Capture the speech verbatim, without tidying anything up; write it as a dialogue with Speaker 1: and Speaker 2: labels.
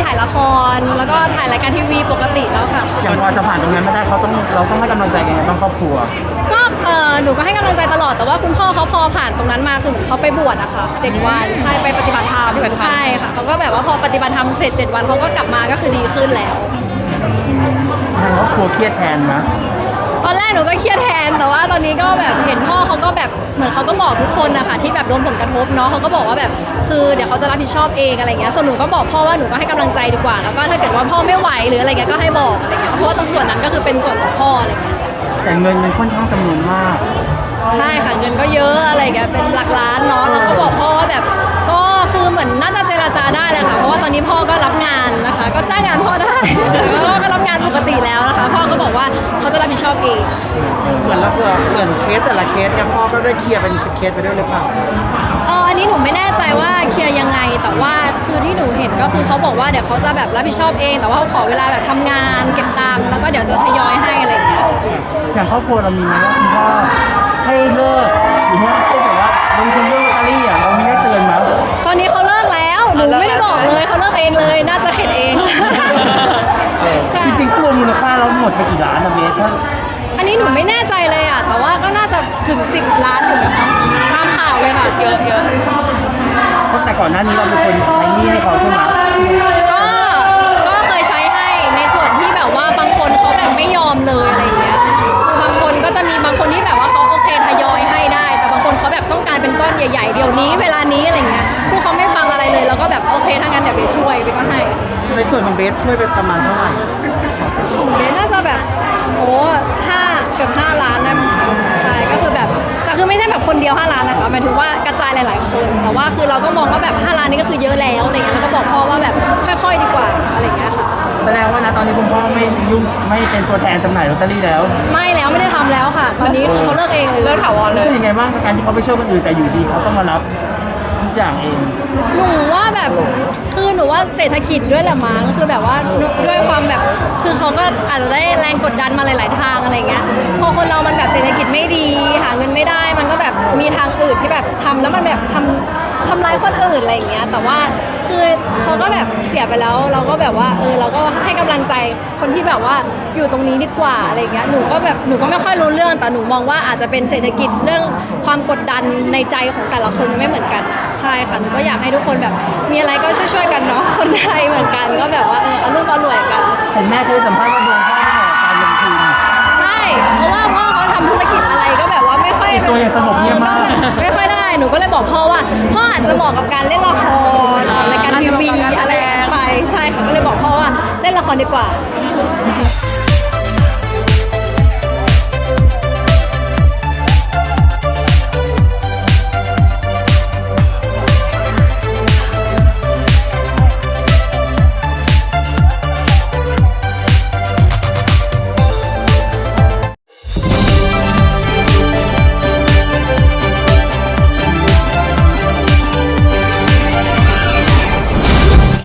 Speaker 1: ถ่ายละครแล้วก็ถ่ายรายการทีวีปกติแล้วค่ะ
Speaker 2: อย่างพอจะผ่านตรงนั้นไม่ได้เขาต้องเราต้องให้กำลังใจยังไงบ้างครอบครัว
Speaker 1: ก็เออหนูก็ให้กำลังใจตลอดแต่ว่าคุณพ่อเขาพอผ่านตรงนั้นมาคือเขาไปบวชอะค่ะเจ็ดวันใช่ไปปฏิบัติธรรมใช่ค่ะเขาก็แบบว่าพอปฏิบัติธรรมเสร็จเจ็ดวันเขาก็กลับมาก็คือดีขึ้นแล้ว
Speaker 2: ทางครอบครัวเครียดแทนนะ
Speaker 1: ตอนแรกหนูก็เครียดแทนแต่ว่าตอนนี้ก็แบบเห็นพ่อเขาก็แบบเหมือนเขาก็บอกทุกคนนะคะที่แบบโดนผลกระทบเนาะเขาก็บอกว่าแบบคือเดี๋ยวเขาจะรับผิดชอบเองอะไรเงี้ยส่วนหนูก็บอกพ่อว่าหนูก็ให้กำลังใจดีกว่าแล้วก็ถ้าเกิดว่าพ่อไม่ไหวหรืออะไรเงี้ยก็ให้บอกอะไรเงี้ยเพราะว่าตรงส่วนนั้นก็คือเป็นส่วนของพ่ออะไรเงี้ย
Speaker 2: แต่เงินมันค่อนข้างจำนวนมาก
Speaker 1: ใช่ค่ะเงินก็เยอะอะไรเงี้ยเป็นหลักล้านเนาะแล้วก็บอกพ่อว่าแบบก็คือเหมือนน่าจะเจรจาได้แหละค่ะเพราะว่าตอนนี้พ่อก็รับงานนะคะก็จ้างงานพ่อได้แล้วก็รับงานปกติแล้วนะคะพ่อก็บอกว่าเขาจะรับผิดชอบเอง
Speaker 3: เหมือนเราเหมือนเคสแต่ละเคสเนี่ยพ่อก็ได้เคลียร์เป็นเคสไปด้วยหรือเปล่า
Speaker 1: เอออันนี้หนูไม่แน่ใจว่าเคลียร์ยังไงแต่ว่าคือที่หนูเห็นก็คือเขาบอกว่าเดี๋ยวเขาจะแบบรับผิดชอบเองแต่ว่าเขาขอเวลาแบบทำงานเก็บตังค์แล้วก็เดี๋ยวจะทยอยให้อะไรอย่างเงี้ย
Speaker 2: อย่างครอบครัวเรามีไหมว่าคุณพ่อให้เลิกหรือว่าเขาบอกว่าลงทุนเรื่องลอตเตอรี่อ่ะเรามีได้เตือนมั้ย
Speaker 1: ตอนนี้เขาเลิกแล้วหนูไม่ได้บอกเลยเขาเลิกเองเลยน่าจะเห็นเอง
Speaker 2: จริงๆรวมมูลค่าเราหมดไปกี่ล้านนะเบสถ้า
Speaker 1: อันนี้หนูไม่แน่ใจเลยอ่ะแต่ว่าก็น่าจะถึงสิบล้านอยู่นะคะตามข่าวเลยค่ะเยอะเยอะ
Speaker 2: เพราะแต่ก่อนหน้านี้เราเป็นคนใช้หนี้ให้เขาใช่ไหม
Speaker 1: ก็ก็เคยใช้ให้ในส่วนที่แบบว่าบางคนเขาแบบไม่ยอมเลยอะไรอย่างเงี้ยคือบางคนก็จะมีบางคนที่แบบว่าเขาโอเคทยอยให้ได้แต่บางคนเขาแบบต้องการเป็นก้อนใหญ่ๆเดี๋ยวนี้เวลานี้อะไรเงี้ยซึ่งเขาไม่ฟังอะไรเลยแล้วก็แบบโอเคถ้างั้นเดี๋ยวเบสช่วยเบสก็ให้
Speaker 3: ในส่วนของเบสช่วยไปประมาณเท่าไหร่
Speaker 1: ของเบสน่าจะแบบโอ้ห้าเกือบห้าล้านนะใช่ก็คือแบบแต่คือไม่ใช่แบบคนเดียวห้าล้านนะคะหมายถึงว่ากระจายหลายๆคนแต่ว่าคือเราก็มองว่าแบบห้าล้านนี่ก็คือเยอะแล้วอะไรเงี้ยแล้วก็บอกพ่อว่าแบบค่อยๆดีกว่าอะไรเงี้ยค่ะ
Speaker 2: แสดงว่านะตอนนี้คุณพ่อไม่ยุ่งไม่เป็นตัวแทนจำหน่ายลอตเตอรี่แล้ว
Speaker 1: ไม่แล้วไม่ได้ทำแล้วค่ะตอนนี้คือเขาเลิกเองเลย
Speaker 2: เลิกถาวรเลยรู้สึกยังไงบ้างกับการที่เขาไปช่วยคนอื่นแต่อยู่ดีเขาต้องมารับทุกอย่างเอง
Speaker 1: หนูว่าแบบคือหนูว่าเศรษฐกิจด้วยแหละมั้งคือแบบว่าด้วยความแบบคือเขาก็อาจจะได้แรงกดดันมาหลายๆทางอะไรเงี้ยพอคนเรามันแบบเศรษฐกิจไม่ดีหาเงินไม่ได้มันก็แบบมีทางอื่นที่แบบทำแล้วมันแบบทำทำร้ายคนอื่นอะไรอย่างเงี้ยแต่ว่าคือเขาก็แบบเสียไปแล้วเราก็แบบว่าเออเราก็ให้กำลังใจคนที่แบบว่าอยู่ตรงนี้ดีกว่าอะไรเงี้ยหนูก็แบบหนูก็ไม่ค่อยรู้เรื่องแต่หนูมองว่าอาจจะเป็นเศรษฐกิจเรื่องความกดดันในใจของแต่ละคนไม่เหมือนกันใช่ค่ะหนูก็อยากให้ทุกคนแบบมีอะไรก็ช่วยๆกันเนาะคนไทยเหมือนกันก็แบบว่าเอออรุ่มอร่วยกัน
Speaker 2: เห็นแม่เคยสัมภาษณ์ว่าดวงพ่อการลงทุน
Speaker 1: ใช่เพราะว่าพ่อเขาทำธุรกิจอะไรก็แบบว่าไม่ค่อย
Speaker 2: ตัวอย่างสงบเงียบมาก
Speaker 1: ไม่ค่อยได้หนูก็เลยบอกพ่อว่าพ่ออาจจะเหมาะกับการเล่นละครรายการทีวีอะไรไปใช่ค่ะก็เลยบอกพ่อว่าเล่นละครดีกว่า